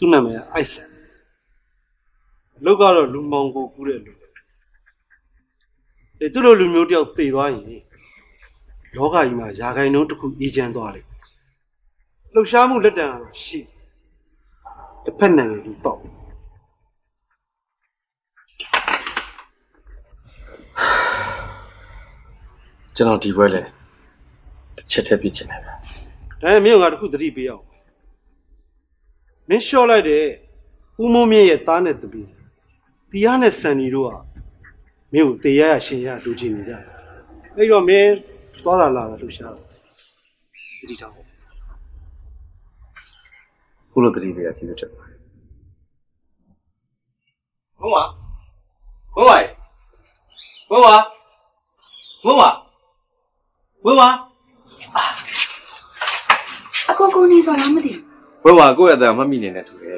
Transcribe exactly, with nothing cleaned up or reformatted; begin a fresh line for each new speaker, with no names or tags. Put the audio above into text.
သူ့နာမည်ကအိုက်ဆန်လောက်ကတော့လူမောင်ကိုကူးတဲ့လူအဲသူ့လိုလူမျိုးတယောက်သေသွားရင်လောကကြီးမှာယာခိုင်နှုန်းတစ်ခုအေးချမ်းသွားလိမ့်လှုပ်ရှားမှုလက်တံကတော့ရှိတစ်ဖက်နိုင်ငံသူတော့
ကျွန်တော်ဒီဘွဲလဲတစ်ချက်တည်းပြစ်ချင်တယ်ဗျာ
ဒါနဲ့မင်းကငါတစ်ခုသတိပေးအောင်မင်းလျှော့လိုက်တဲ့ဦးမိုးမြင့်ရဲ့သားနဲ့တပီးတီးယားနဲ့စန်နီတို့ကမင်းကိုတေရရရှင်ရလူချင်းနေကြတယ်အဲ့တော့မင်းသွားလာလာတာလှုပ်ရှားတာသတိထားဖို့
ခုလိုတတိပေးရစီလို့ချက်ပါဘုံဝါဘုံဝါဘုံဝါဘုံဝါဘုံဝါ
အကိုကိုနေစော်လားမသိဘူး
ဘုံဝါကိုယ့်ရဲ့အတန်မှတ်မိနေတယ်ထူတယ်